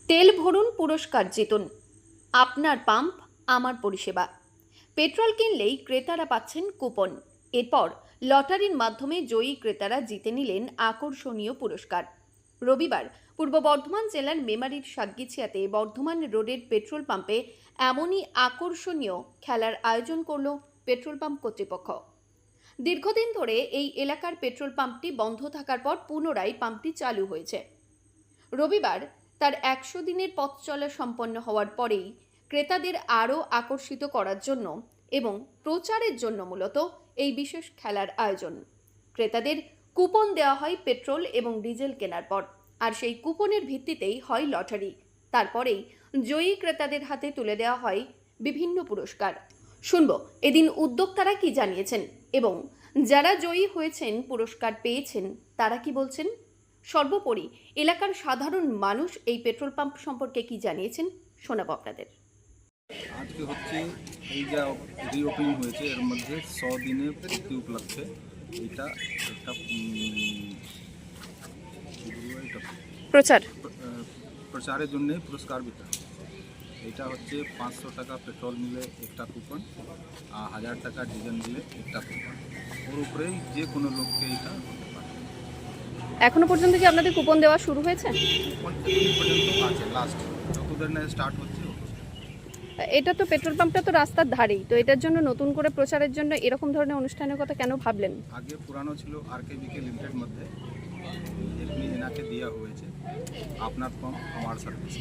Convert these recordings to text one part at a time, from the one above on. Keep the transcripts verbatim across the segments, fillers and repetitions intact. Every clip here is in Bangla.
তেল ভরুন, পুরস্কার জিতুন। আপনার পাম্প আমার পরিষেবা। পেট্রোল কিনলেই ক্রেতারা পাচ্ছেন কুপন। এরপর লটারির মাধ্যমে জয়ী ক্রেতারা জিতে নিলেন আকর্ষণীয় পুরস্কার। রবিবার পূর্ব বর্ধমান জেলার মেমারির সাতগিছিয়াতে বর্ধমান রোডের পেট্রোল পাম্পে এমনই আকর্ষণীয় খেলার আয়োজন করল পেট্রোল পাম্প কর্তৃপক্ষ। দীর্ঘদিন ধরে এই এলাকার পেট্রোল পাম্পটি বন্ধ থাকার পর পুনরায় পাম্পটি চালু হয়েছে। রবিবার তার একশো দিনের পথ চলা সম্পন্ন হওয়ার পরেই ক্রেতাদের আরও আকর্ষিত করার জন্য এবং প্রচারের জন্য মূলত এই বিশেষ খেলার আয়োজন। ক্রেতাদের কুপন দেওয়া হয় পেট্রোল এবং ডিজেল কেনার পর, আর সেই কুপনের ভিত্তিতেই হয় লটারি। তারপরেই জয়ী ক্রেতাদের হাতে তুলে দেওয়া হয় বিভিন্ন পুরস্কার। শুনব এদিন উদ্যোক্তারা কি জানিয়েছেন এবং যারা জয়ী হয়েছেন, পুরস্কার পেয়েছেন, তারা কি বলছেন। সর্বোপরি এলাকার সাধারণ মানুষ এই পেট্রোল পাম্প সম্পর্কে কি জানিয়েছেন শোনাবো আপনাদের। আজকে হচ্ছে এই যা রিওপেনিং হয়েছে এর মধ্যে শো দিনে পূর্তি উপলক্ষে এটা একটা প্রচার প্রচারের জন্য পুরস্কার বিতরণ। এটা হচ্ছে পাঁচশো টাকা পেট্রোল নিলে একটা কুপন, আর হাজার টাকা ডিজেল নিলে একটা কুপন। ওর উপরেই যে কোনো লোককে এটা করতে পারে। এখনো পর্যন্ত কি আপনাদের কুপন দেওয়া শুরু হয়েছে? কুপন এখনো পর্যন্ত আছে, লাস্ট যতদিন না স্টার্ট হচ্ছে। এটা তো পেট্রোল পাম্পটা তো রাস্তার ধারেই, তো এটার জন্য নতুন করে প্রচারের জন্য এরকম ধরনের অনুষ্ঠানের কথা কেন ভাবলেন? আগে পুরানো ছিল আর কে বিকে লিমিটেড মধ্যে, এমনি এনাকে দেওয়া হয়েছে আপনার পাম্প আমার সার্ভিস।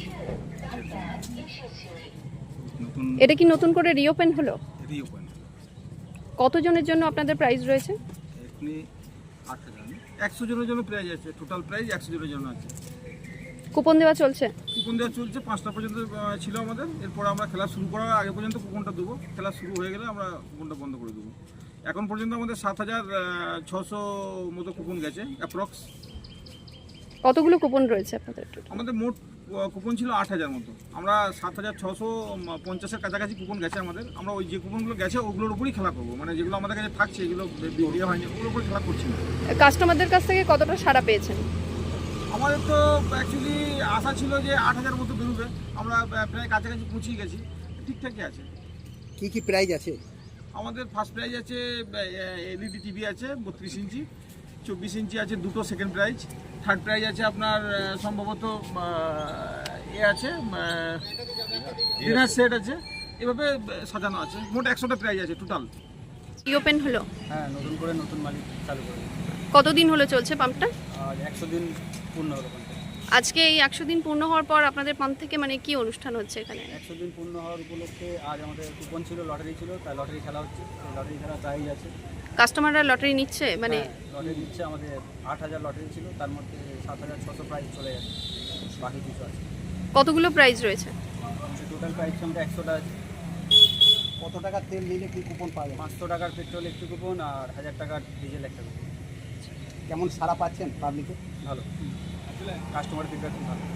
নতুন এটা কি নতুন করে রিওপেন হলো? রিওপেন। কতজনের জন্য আপনাদের প্রাইস রয়েছে? এখনি আট হাজার একশো জনের জন্য প্রাইজ আছে, টোটাল প্রাইজ একশো জনের জন্য আছে। কুপন দেওয়া চলছে? কুপন দেওয়া চলছে, পাঁচটা পর্যন্ত ছিল আমাদের। এরপর আমরা খেলা শুরু করার আগে পর্যন্ত কুপনটা দেবো, খেলা শুরু হয়ে গেলে আমরা কুপনটা বন্ধ করে দেবো। এখন পর্যন্ত আমাদের সাত হাজার ছশো মতো কুপন গেছে অ্যাপ্রক্স। কতগুলো কুপন রয়েছে আপনাদের? আমাদের মোট কুপন ছিল আট হাজার মতো, আমরা সাত হাজার ছশো পঞ্চাশের কাছাকাছি কুপন গেছে আমাদের। আমরা ওই যে কুপনগুলো গেছে ওগুলোর উপরই খেলা করবো, মানে যেগুলো আমাদের কাছে থাকছে এগুলো দেওয়া হয়নি ওগুলোর উপরে খেলা করছি না। কাস্টমারদের কাছ থেকে কতটা সাড়া পেয়েছেন? আমাদের তো অ্যাকচুয়ালি আশা ছিল যে আট হাজার মতো বেরোবে, আমরা প্রায় কাছাকাছি পৌঁছে গেছি, ঠিকঠাকই আছে। কি কি প্রাইজ আছে? আমাদের ফার্স্ট প্রাইজ আছে এলইডি টিভি আছে বত্রিশ ইঞ্চি, চব্বিশ ইঞ্চি আছে দুটো সেকেন্ড প্রাইজ। থার্ড প্রাইজ আছে আপনার সম্ভবত এ আছে ডিনার সেট আছে, এভাবে সাজানো আছে। মোট একশোটা প্রাইজ আছে টোটাল। রিওপেন হলো? হ্যাঁ, নতুন করে নতুন মালিক চালু করে। কতদিন হলো চলছে পাম্পটা? আর একশো দিন পূর্ণ হলো পাম্পটা। আজকে এই একশো দিন পূর্ণ হওয়ার পর আপনাদের পাম্প থেকে মানে কি অনুষ্ঠান হচ্ছে এখানে? একশো দিন পূর্ণ হওয়ার উপলক্ষে আজ আমাদের কুপন ছিল, লটারি ছিল, তাই লটারি খেলা হচ্ছে। লটারি খেলা প্রাইজ আছে। কাস্টমাররা লটারি নিচ্ছে মানে? লটারি দিচ্ছে, আমাদের আট হাজার লটারি ছিল, তার মধ্যে সাত হাজার ছশো প্রাইজ চলে গেছে, বাকি কিছু আছে। কতগুলো প্রাইজ রয়েছে? টোটাল প্রাইজ আমরা একশোটা আছে। কত টাকার তেল নিলে কি কুপন পাওয়া যায়? পাঁচশো টাকার পেট্রোল একটি কুপন আর হাজার টাকার ডিজেল একটা কুপন। কেমন সারা পাচ্ছেন পাবলিকে? ভালো, কাস্টমার ফিডব্যাক খুব ভালো।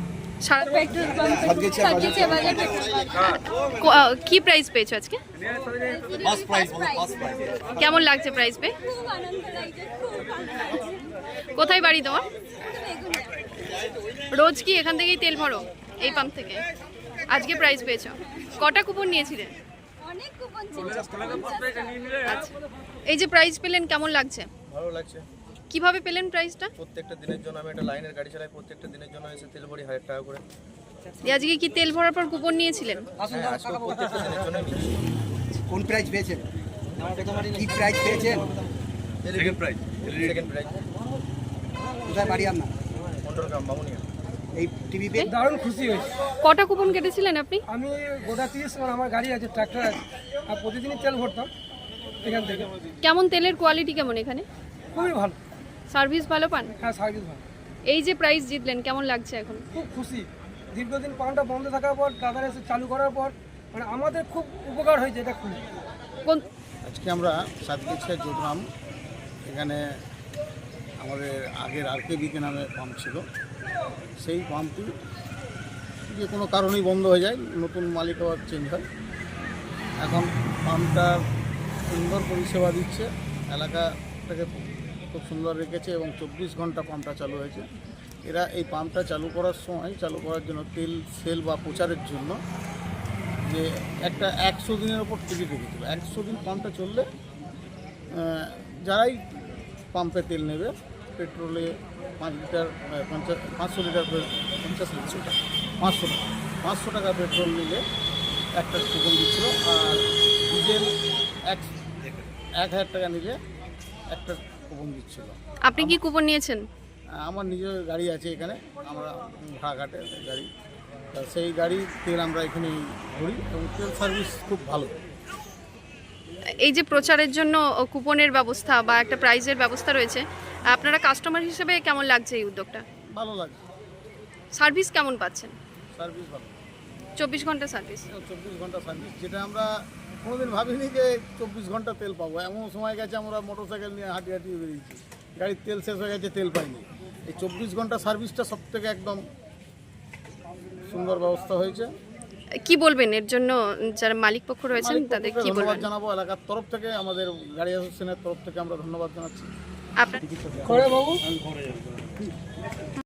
কি প্রাইজ পেয়েছো আজকে? কেমন লাগছে প্রাইজ পেয়ে? কোথায় বাড়ি তোমার? রোজ কি এখান থেকেই তেল ভরো এই পাম্প থেকে? আজকে প্রাইজ পেয়েছো? কটা কুপন নিয়েছিলেন? আচ্ছা, এই যে প্রাইজ পেলেন কেমন লাগছে? ভালো লাগছে। কিভাবে পেলেন প্রাইজটা? প্রত্যেকটা দিনের জন্য আমি একটা লাইনের গাড়ি চালাই, প্রত্যেকটা দিনের জন্য এসে তেল ভরি হাজার টাকা করে। আজকে কি তেল ভরার পর কুপন নিয়েছিলেন? হ্যাঁ, আজকে প্রত্যেকটা দিনের জন্য নিয়েছি। কোন প্রাইজ পেয়েছেন? কি প্রাইজ পেয়েছেন? Second prize. Second prize. কোথায় বাড়ি আপনার? পনেরো গ্রাম বামুনিয়া। এই টিভি পেয়ে দারুণ খুশি হয়েছে। কটা কুপন কেটেছিলেন আপনি? আমি গোটা তিরিশ আমার আমার গাড়ি আছে, ট্রাক্টর আছে, আর প্রতিদিনই তেল ভরতাম এখান থেকে। কেমন তেলের কোয়ালিটি কেমন এখানে? খুবই ভালো। সার্ভিস ভালো পান? হ্যাঁ, সার্ভিস ভালো। এই যে প্রাইজ জিতলেন কেমন লাগছে এখন? খুব খুশি। দীর্ঘদিন পাম্পটা বন্ধ থাকার পর দাদার এসে চালু করার পর মানে আমাদের খুব উপকার হয়েছে, এটা খুব। কোন আজকে আমরা সাতগিছিয়া জোটগ্রাম, এখানে আমাদের আগের আর কে বিকে নামে পাম্প ছিল, সেই পাম্পটি যে কোনো কারণেই বন্ধ হয়ে যায়, নতুন মালিক আবার চেঞ্জ হয়। এখন পাম্পটা সুন্দর পরিষেবা দিচ্ছে, এলাকাটাকে খুব সুন্দর রেখেছে এবং চব্বিশ ঘন্টা পাম্পটা চালু হয়েছে। এরা এই পাম্পটা চালু করার সময় চালু করার জন্য তেল সেল বা প্রচারের জন্য যে একটা একশো দিনের ওপর টিকিট রেখেছিল। একশো দিন পাম্পটা চললে আহ, যারাই পাম্পে তেল নেবে পেট্রোলে পাঁচ লিটার আহ, পঞ্চাশ পাঁচশো লিটার করে- পঞ্চাশ লিটার পাঁচশো টাকা পাঁচশো টাকা পেট্রোল নিলে একটা কুপন দিচ্ছিল, আর ডিজেল এক এক হাজার টাকা নিলে একটা কুপন দিচ্ছিল। আপনি কি কুপন নিয়েছেন? আমার নিজের গাড়ি আছে এখানে, আমরা ভাড়াঘাটে গাড়ি, তা সেই গাড়ির তেল আমরা এখানে ভরি এবং তেল সার্ভিস খুব ভালো। এই যে প্রচারের জন্য কুপনের ব্যবস্থা বা একটা প্রাইজের ব্যবস্থা রয়েছে, আপনারা কাস্টমার হিসেবে কেমন লাগছে এই উদ্যোগটা? ভালো লাগে, সার্ভিস কেমন পাচ্ছেন? সার্ভিস ভালো, চব্বিশ ঘন্টা সার্ভিস। চব্বিশ ঘন্টা সার্ভিস, যেটা আমরা কোনোদিন ভাবিনি যে চব্বিশ ঘন্টা তেল পাবো। এমন সময় গেছে আমরা মোটর সাইকেল নিয়ে হাঁটি হাঁটি বেরিয়েছি, গাড়ির তেল শেষ হয়ে গেছে, তেল পাইনি। এই চব্বিশ ঘন্টা সার্ভিসটা সব থেকে একদম সুন্দর ব্যবস্থা হয়েছে। কি বলবেন এর জন্য যারা মালিক পক্ষ রয়েছেন মালিক তাদের পক্ষকে কি ধন্যবাদ বলবেন? জানাবো, এলাকার তরফ থেকে আমাদের গাড়ি অ্যাসোসিয়েশনের তরফ থেকে আমরা ধন্যবাদ জানাচ্ছি। আপনার করে বাবু